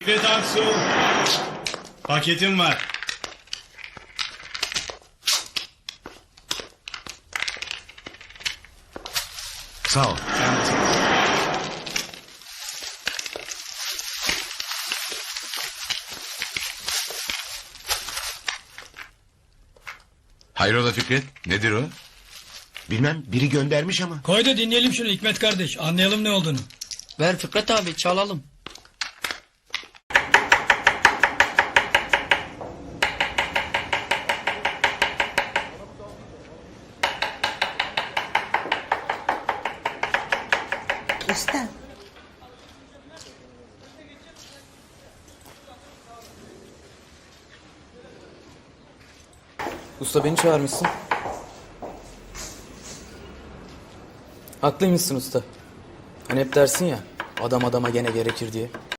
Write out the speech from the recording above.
Fikret Aksu, paketim var. Sağ ol. Hayrola Fikret? Nedir o? Bilmem, biri göndermiş ama. Koy da dinleyelim şunu Hikmet kardeş. Anlayalım ne olduğunu. Ver Fikret abi çalalım. Usta. Usta beni çağırmışsın. Haklıymışsın usta. Hani hep dersin ya, adam adama gene gerekir diye.